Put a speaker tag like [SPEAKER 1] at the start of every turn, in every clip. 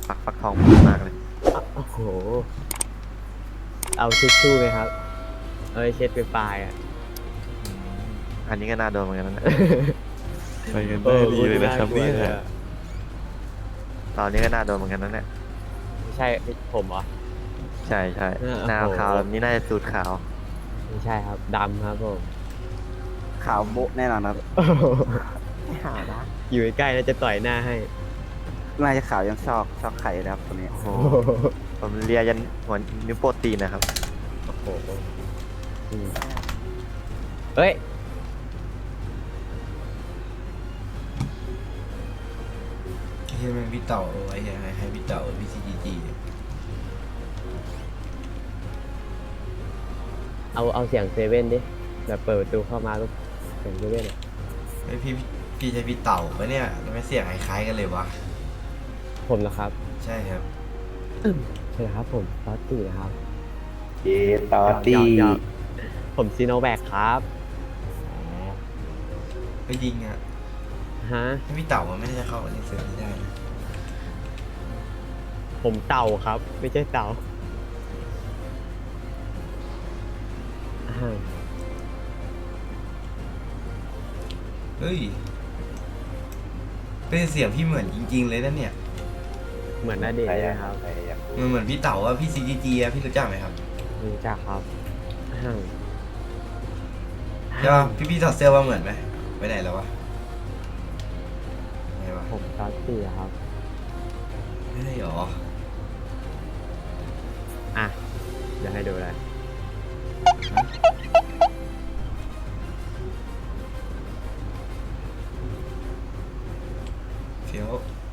[SPEAKER 1] ฟักทองมากเลย
[SPEAKER 2] โอ้โหเอาทิชชู่ไหมครับเอ้ยเช็ดไปปลายอ่ะ
[SPEAKER 1] อันนี้ก็น่าโดนเหมือนกันนะ
[SPEAKER 3] ไปกันได้ดีเลยนะครับเนี่ย
[SPEAKER 1] ตอนนี้ก็น่าโดนเหมือนกันนะเนี่ย
[SPEAKER 2] ไม่ใช่ผมเหรอ
[SPEAKER 1] ใช่ใช่
[SPEAKER 2] โอ้โห
[SPEAKER 1] หน้าขาวแบบนี้น่าจะสูตรขาว
[SPEAKER 2] ไม่ใช่ครับดำครับผม
[SPEAKER 4] ขาวโบ๊ะแน่นอนครับ
[SPEAKER 1] ไม่หานะ
[SPEAKER 2] อยู่ใกล้ๆแล้วจะต่อยหน้าให้
[SPEAKER 4] น่าจะขาวยังซอกไข่นะครับตัวนี้
[SPEAKER 1] โอ้โหผมเลียยันหัวนิ้วโปรตีนนะครับ
[SPEAKER 2] โอ้โหอืมเฮ้ย
[SPEAKER 3] ที่มันพี่เต่าเอาไว้ให้พี่เต่าพี่ซีจีจี
[SPEAKER 2] เอาเสียงเซเว่นดิแบบเปิดประตูเข้ามาลูกเสียงเซเว่นอะ
[SPEAKER 3] ไอพี่ใช้พี่เต่าปะเนี่ยทำไมเสียงคล้ายๆกันเลยวะ
[SPEAKER 2] ผมเหรอครับ
[SPEAKER 3] ใช่ครับ
[SPEAKER 2] ใช่ครับผมตอตตี้นะครับ
[SPEAKER 4] เยตอตี้
[SPEAKER 2] หยอกผมซีโนแวคครับ
[SPEAKER 3] อ๋อไปยิงอ่ะ
[SPEAKER 2] ฮะ
[SPEAKER 3] ถ้าพี่เต่ามันไม่ได้จะเข้าในเซิร์ฟนี้ได้นะ
[SPEAKER 2] ผมเต่าครับ ไม่ใช่เต่าอ่า
[SPEAKER 3] เฮ้ยเป็นเสียงพี่เหมือนจริงๆเลยนะเนี่ย
[SPEAKER 2] เหมือนนาเดชน์ใช่ไหมครับ
[SPEAKER 3] มันเหมือนพี่เต่าอะพี่ซีจีจีอะพี่รู้จักไหมครับ
[SPEAKER 2] รู้จักครับอ่า
[SPEAKER 3] ใช่ป่ะพี่ถอดเสื้อว่าเหมือนไหมไปไหนแล้ววะไงวะ
[SPEAKER 2] ผมตอตตี้ครับ
[SPEAKER 3] ไม่ได้หรอ
[SPEAKER 2] อ่ะ เดี๋ยวให้ดูเลย
[SPEAKER 3] เฟี้ยว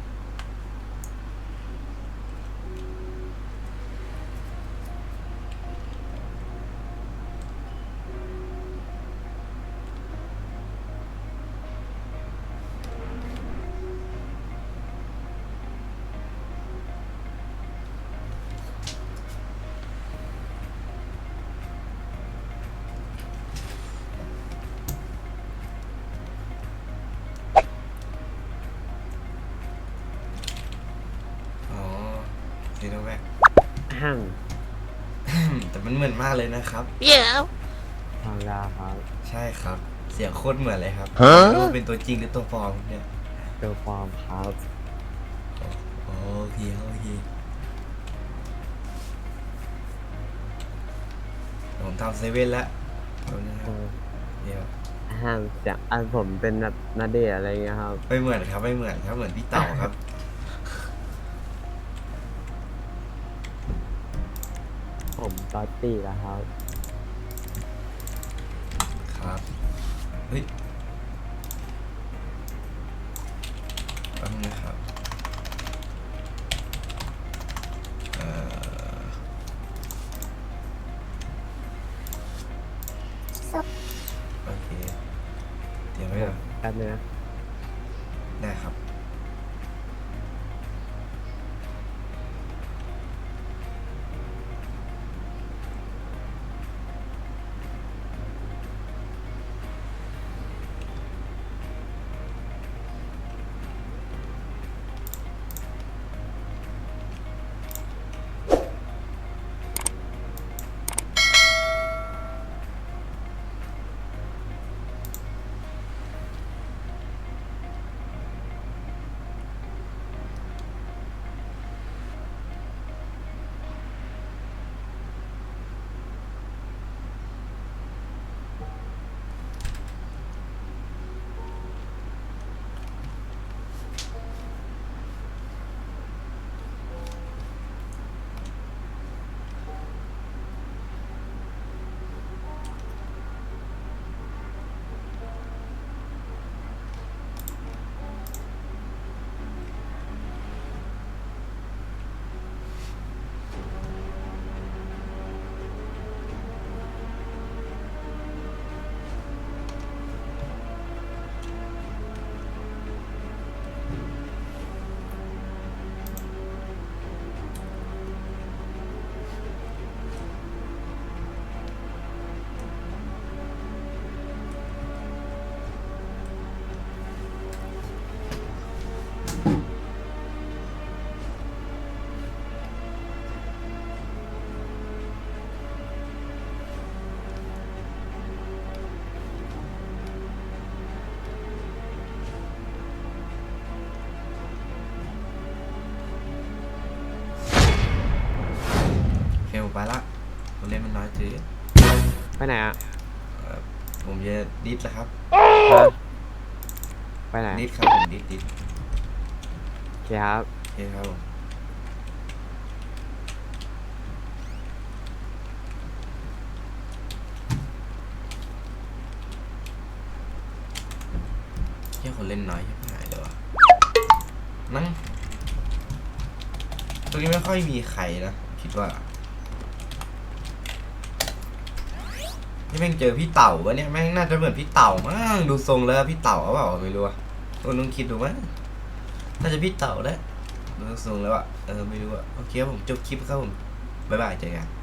[SPEAKER 3] อ๋อซีโนแวค
[SPEAKER 2] ห้าง
[SPEAKER 3] แต่มันเหมือนมากเลยนะครับ
[SPEAKER 2] ทางดาวครับ
[SPEAKER 3] ใช่ครับ เสียงโคตรเหมือนเลยครับไม่รู้เป็นตัวจริงหรือตัวปลอมเนี่ย
[SPEAKER 2] เจอฟอร์มครับ
[SPEAKER 3] โอเคโอเคผมทำเซเว่นแล้วเอานะครับเดี๋ยว
[SPEAKER 2] ห้างจากอันผมเป็นแบบนาเดชน์อะไรเงี้ยครับ
[SPEAKER 3] ไม่เหมือนครับไม่เหมือนครับเหมือนพี่เต่าครับ
[SPEAKER 2] ผมตอตตี้แล้วครับ
[SPEAKER 3] ครับเฮ้ยแป๊บนึงนะครับเอ่อโอเคเตรียมไว้ก่อน
[SPEAKER 2] แป๊บนึงนะ
[SPEAKER 3] ได้ครับน้อยถือ
[SPEAKER 2] ไปไหนอ่ะ
[SPEAKER 3] ผมจะดิสแล้วครับ
[SPEAKER 2] ฮะไปไหน
[SPEAKER 3] ดิสครับผมดิส
[SPEAKER 2] โอเคครับ
[SPEAKER 3] โอเคครับผมแค่คนเล่นน้อยใช่ไหมเลยวะนั่งตรงนี้ไม่ค่อยมีใครนะคิดว่านี่แม่งเจอพี่เต่าปะเนี่ยแม่งน่าจะเหมือนพี่เต่ามั้งดูทรงแล้วพี่เต่าหรือเปล่าไม่รู้อะคนนึงคิดดูมั้งน่าจะพี่เต่าแหละดูทรงแล้วอะไม่รู้อะโอเคครับผมจบคลิปครับผมบ๊ายบายเจอกัน